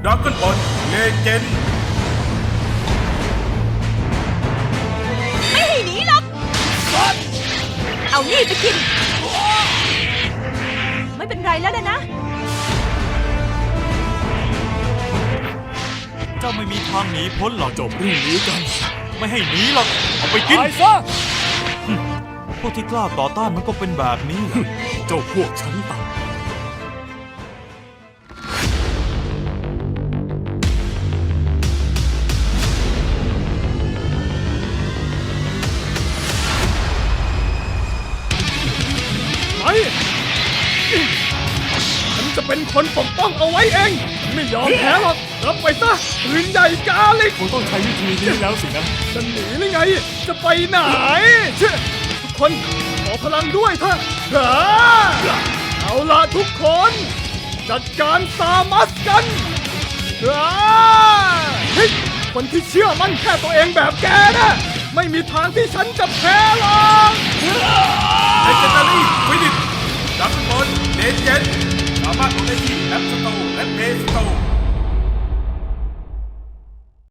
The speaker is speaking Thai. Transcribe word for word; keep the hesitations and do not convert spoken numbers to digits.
ดราก้อนบอลเลเจนด์ไม่ให้หนีหรอกเอานี่ไปกิน ไม่เป็นไรแล้วนะนะเจ้าไม่มีทางหนีพ้นหรอกจบเรื่องนี้กัน ไม่ให้หนีหรอกเอาไปกินตายซะพวกที่กล้าต่อต้านมันก็เป็นแบบนี้แหละเจ้าพวกฉันต่างไปฉันจะเป็นคนปกป้องเอาไว้เอง ไม่ยอมแพ้หรอก รับไปซะปืนใหญ่กาลิกคงต้องใช้วิธีนี้แล้วสินะจะหนีหรือไง จะไปไหนเชื่อทุกคนขอพลังด้วยเถอะเฮ้อเอาล่ะทุกคน จัดการซามัสกันเฮ้อเฮ้ยคนที่เชื่อมั่นแค่ตัวเองแบบแกนะไม่มีทางที่ฉันจะแพ้หรอกเลเจนดารี่ฟินิชดราก้อนบอลเลเจนด์สามารถลงได้ที่แอปสโตร์และเพย์สโตร์